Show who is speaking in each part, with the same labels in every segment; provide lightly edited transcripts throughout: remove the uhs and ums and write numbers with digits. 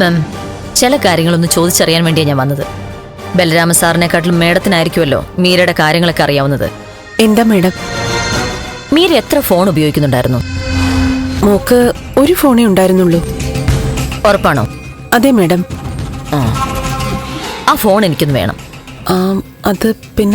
Speaker 1: മാം, ചില കാര്യങ്ങളൊന്ന് ചോദിച്ചറിയാൻ വേണ്ടിയാണ് ഞാൻ വന്നത്. ബലരാമ സാറിനെക്കാട്ടിലും മേഡത്തിനായിരിക്കുമല്ലോ മീരയുടെ കാര്യങ്ങളൊക്കെ അറിയാവുന്നത്.
Speaker 2: എന്താ മേഡം?
Speaker 1: മീര എത്ര ഫോൺ ഉപയോഗിക്കുന്നുണ്ടായിരുന്നു?
Speaker 2: മോക്ക് ഒരു ഫോണേ ഉണ്ടായിരുന്നുള്ളൂ.
Speaker 1: ഉറപ്പാണോ?
Speaker 2: അതെ മേഡം.
Speaker 1: ആ ഫോൺ എനിക്കൊന്ന് വേണം.
Speaker 2: അത് പിന്നെ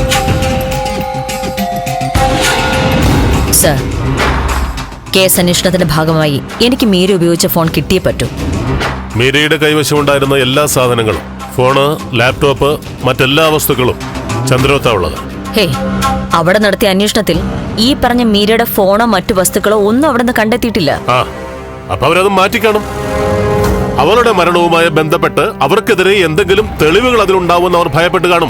Speaker 1: സർ, കേസ് അന്വേഷണത്തിന്റെ ഭാഗമായി എനിക്ക് മീര ഉപയോഗിച്ച ഫോൺ കിട്ടിയേ പറ്റൂ.
Speaker 3: മീരയുടെ കൈവശമുണ്ടായിരുന്ന എല്ലാ സാധനങ്ങളും, ഫോണ്, ലാപ്ടോപ്പ്, മറ്റെല്ലാ വസ്തുക്കളും ചന്ദ്രോത്താ ഉള്ളത്.
Speaker 1: ഹേ, അവിടെ നടത്തിയ അന്വേഷണത്തിൽ ഈ പറഞ്ഞ മീരയുടെ ഫോണോ മറ്റു വസ്തുക്കളോ ഒന്നും അവിടെ നിന്ന് കണ്ടെത്തിയിട്ടില്ല.
Speaker 3: അപ്പൊ അവരത് മാറ്റിക്കാണും. അവളുടെ മരണവുമായി ബന്ധപ്പെട്ട് അവർക്കെതിരെ എന്തെങ്കിലും തെളിവുകൾ അതിലുണ്ടാവുമെന്ന് അവർ ഭയപ്പെട്ട് കാണും.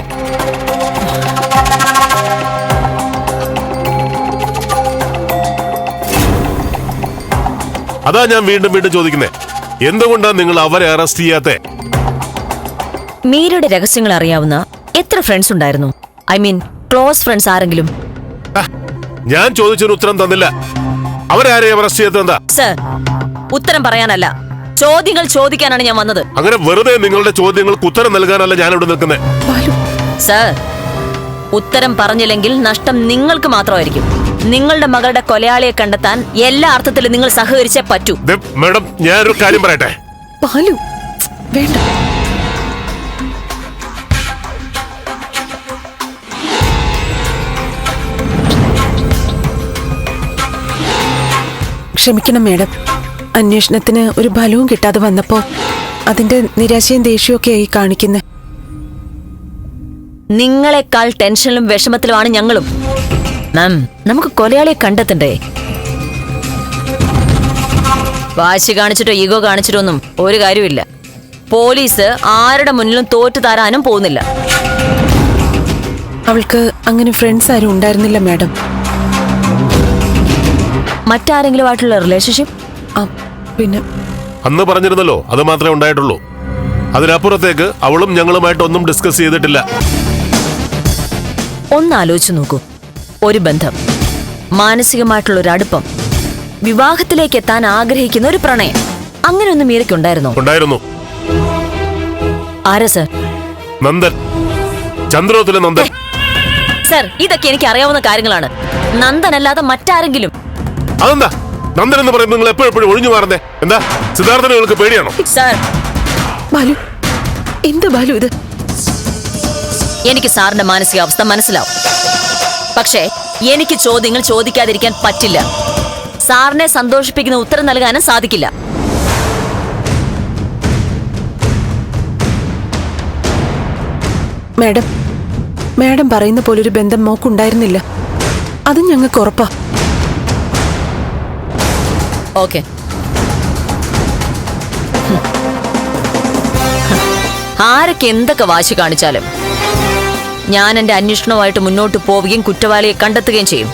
Speaker 3: അതാ ഞാൻ വീണ്ടും വീണ്ടും ചോദിക്കുന്നേ, എന്തുകൊണ്ടാ നിങ്ങൾ അവരെ അറസ്റ്റ് ചെയ്യാത്തെ?
Speaker 1: മീരയുടെ രഹസ്യങ്ങൾ അറിയാവുന്ന എത്ര ഫ്രണ്ട്സ് ഉണ്ടായിരുന്നു? ഐ മീൻ ക്ലോസ് ഫ്രണ്ട്സ് ആരെങ്കിലും?
Speaker 3: ഞാൻ ചോദിച്ചൊരു ഉത്തരം തന്നില്ല. അവരാരെയും അറസ്റ്റ് ചെയ്യാത്ത?
Speaker 1: സർ, ഉത്തരം പറയാനല്ല, ചോദ്യങ്ങൾ ചോദിക്കാനാണ് ഞാൻ വന്നത്.
Speaker 3: അങ്ങനെ വെറുതെ നിങ്ങളുടെ ചോദ്യങ്ങൾക്ക് ഉത്തരം നൽകാനല്ല ഞാൻ ഇവിടെ നിൽക്കുന്നത്.
Speaker 1: സർ, ഉത്തരം പറഞ്ഞില്ലെങ്കിൽ നഷ്ടം നിങ്ങൾക്ക് മാത്രമായിരിക്കും. നിങ്ങളുടെ മകളുടെ കൊലയാളിയെ കണ്ടെത്താൻ എല്ലാ അർത്ഥത്തിലും നിങ്ങൾ സഹകരിച്ചേ പറ്റൂ.
Speaker 3: മാഡം, ഞാനൊരു കാര്യം പറയട്ടെ.
Speaker 2: വേണ്ട. ക്ഷമിക്കണം മേഡം, അന്വേഷണത്തിന് ഒരു ഫലവും കിട്ടാതെ വന്നപ്പോ അതിന്റെ നിരാശയും ദേഷ്യവും ആയി കാണിക്കുന്നേ.
Speaker 1: നിങ്ങളെക്കാൾ ടെൻഷനിലും വിഷമത്തിലുമാണ് ഞങ്ങളും. മാം, നമുക്ക് കൊലയാളിയെ കണ്ടെത്തണ്ടേ? വാശി കാണിച്ചിട്ടോ ഈഗോ കാണിച്ചിട്ടോ ഒന്നും ഒരു കാര്യമില്ല. പോലീസ് ആരുടെ മുന്നിലും തോറ്റു തരാനും പോകുന്നില്ല.
Speaker 2: അവൾക്ക് അങ്ങനെ ഫ്രണ്ട്സ് ആരും ഉണ്ടായിരുന്നില്ല മാഡം.
Speaker 1: മറ്റാരെങ്കിലും ആയിട്ടുള്ള റിലേഷൻഷിപ്പ്?
Speaker 2: പിന്നെ
Speaker 3: അന്ന് പറഞ്ഞിരുന്നല്ലോ, അത് മാത്രമേ ഉണ്ടായിട്ടുള്ളൂ. അതിനപ്പുറത്തേക്ക് അവളും ഞങ്ങളുമായിട്ടൊന്നും ഡിസ്കസ് ചെയ്തിട്ടില്ല.
Speaker 1: ഒന്ന് ആലോചിച്ചു നോക്കൂ. ഒരു ബന്ധം, മാനസികമായിട്ടുള്ള ഒരു അടുപ്പം, വിവാഹത്തിലേക്ക് എത്താൻ ആഗ്രഹിക്കുന്ന ഒരു പ്രണയം, അങ്ങനെ ഒന്നും മീരയ്ക്കുണ്ടായിരുന്നോ?
Speaker 3: ഉണ്ടായിരുന്നു.
Speaker 1: ആരാ സർ?
Speaker 3: നന്ദൻ, ചന്ദ്രോത്തിലെ നന്ദൻ.
Speaker 1: സർ, ഇതൊക്കെ എനിക്ക് അറിയാവുന്ന കാര്യങ്ങളാണ്. നന്ദനല്ലാതെ മറ്റാരെങ്കിലും?
Speaker 3: അതെന്താ നന്ദൻ എന്ന് പറയുമ്പോൾ നിങ്ങൾ എപ്പോഴും ഒഴിഞ്ഞു മാറുന്നേ? എന്താ സിദ്ധാർത്ഥനെ നിങ്ങൾക്ക് പേടിയാണോ?
Speaker 1: സർ,
Speaker 2: ബാലു, എന്ത് ബാലു ഇത്?
Speaker 1: എനിക്ക് സാറിന്റെ മാനസികാവസ്ഥ മനസ്സിലാവും. പക്ഷേ എനിക്ക് ചോദ്യങ്ങൾ ചോദിക്കാതിരിക്കാൻ പറ്റില്ല. സാറിനെ സന്തോഷിപ്പിക്കുന്ന ഉത്തരം നൽകാനും സാധിക്കില്ല.
Speaker 2: മാഡം, മാഡം പറയുന്ന പോലൊരു ബന്ധം മോക്കുണ്ടായിരുന്നില്ല. അത് ഞങ്ങൾക്ക് ഉറപ്പാ.
Speaker 1: ഓക്കെ, ആരൊക്കെ എന്തൊക്കെ വാശി കാണിച്ചാലും ഞാൻ എന്റെ അന്വേഷണവുമായിട്ട് മുന്നോട്ട് പോവുകയും കുറ്റവാളിയെ കണ്ടെത്തുകയും ചെയ്യും.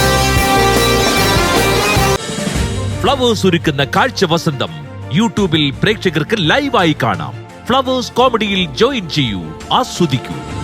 Speaker 4: ഫ്ലവേഴ്സ് ഒരുക്കുന്ന കാഴ്ച വസന്തം യൂട്യൂബിൽ പ്രേക്ഷകർക്ക് ലൈവായി കാണാം. ഫ്ലവേഴ്സ് കോമഡിയിൽ ജോയിൻ ചെയ്യൂ, ആസ്വദിക്കൂ.